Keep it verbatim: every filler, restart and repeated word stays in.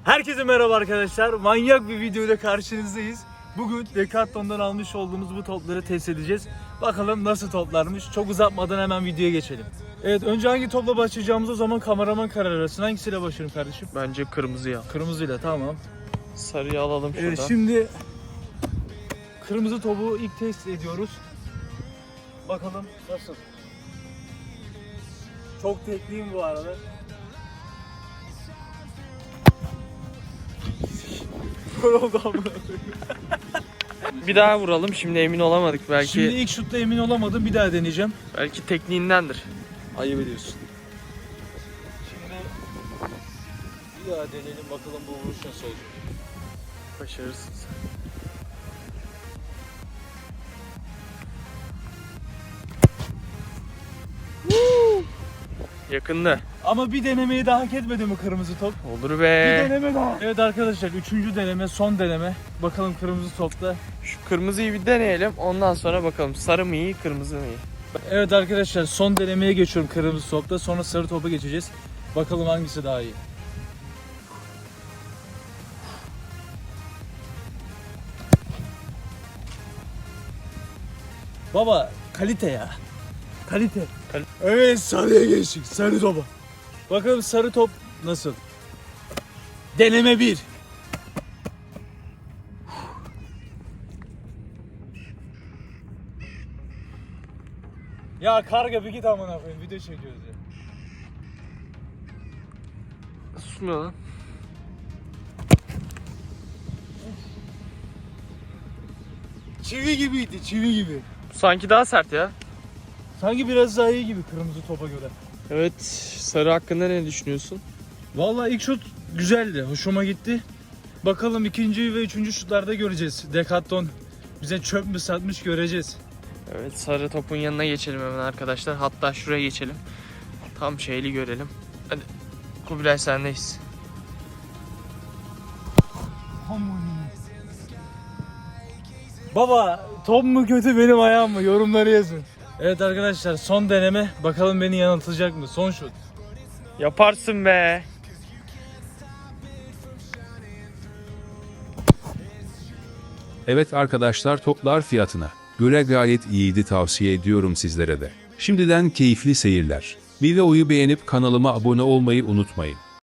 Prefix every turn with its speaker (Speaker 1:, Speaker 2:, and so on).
Speaker 1: Herkese merhaba arkadaşlar. Manyak bir videoyla karşınızdayız. Bugün Decathlon'dan almış olduğumuz bu topları test edeceğiz. Bakalım nasıl toplarmış. Çok uzatmadan hemen videoya geçelim. Evet, önce hangi topla başlayacağımız o zaman kameraman karar versin. Hangisiyle başlayalım kardeşim?
Speaker 2: Bence kırmızıya.
Speaker 1: Kırmızıyla, tamam.
Speaker 2: Sarıyı alalım şuradan.
Speaker 1: Evet, şimdi kırmızı topu ilk test ediyoruz. Bakalım nasıl. Çok tekliyim bu arada. Gol oldu amına koyayım.
Speaker 2: Bir daha vuralım. Şimdi emin olamadık. Belki
Speaker 1: Şimdi ilk şutta emin olamadım. Bir daha deneyeceğim.
Speaker 2: belki tekniğindendir.
Speaker 1: Ayıp ediyorsun. Şimdi bir daha deneyelim bakalım bu vuruş nasıl olacak.
Speaker 2: Başarısız. Yakında.
Speaker 1: Ama bir denemeyi daha hak etmedi mi kırmızı top?
Speaker 2: Olur
Speaker 1: Bir
Speaker 2: be.
Speaker 1: deneme daha. Evet arkadaşlar, üçüncü deneme, son deneme. Bakalım kırmızı topta.
Speaker 2: Şu kırmızıyı bir deneyelim. Ondan sonra bakalım sarı mı iyi, kırmızı mı iyi?
Speaker 1: Evet arkadaşlar, son denemeye geçiyorum kırmızı topta. Sonra sarı topa geçeceğiz. Bakalım hangisi daha iyi. Baba kalite ya. Kalite.
Speaker 2: Kal-
Speaker 1: Evet, sarıya geçtik. Sarı topa. Bakalım sarı top nasıl? Deneme bir. Ya karga bir git amına koyayım, video çekiyoruz ya.
Speaker 2: Susmuyor lan.
Speaker 1: Çivi gibiydi, çivi gibi.
Speaker 2: Sanki daha sert ya.
Speaker 1: Sanki biraz daha iyi gibi kırmızı topa göre.
Speaker 2: Evet. Sarı hakkında ne düşünüyorsun?
Speaker 1: Vallahi ilk şut güzeldi, hoşuma gitti. Bakalım ikinci ve üçüncü şutlarda göreceğiz. Decathlon bize çöp mü satmış göreceğiz.
Speaker 2: Evet, sarı topun yanına geçelim hemen arkadaşlar. Hatta şuraya geçelim. Tam şeyli görelim. Hadi. Kubilay sendeyiz.
Speaker 1: Baba top mu kötü benim ayağım mı? Yorumları yazın. Evet arkadaşlar, son deneme. Bakalım beni yanıltacak mı? Son şut.
Speaker 2: Yaparsın be.
Speaker 3: Evet arkadaşlar, toplar fiyatına göre gayet iyiydi, tavsiye ediyorum sizlere de. Şimdiden keyifli seyirler. Videoyu beğenip kanalıma abone olmayı unutmayın.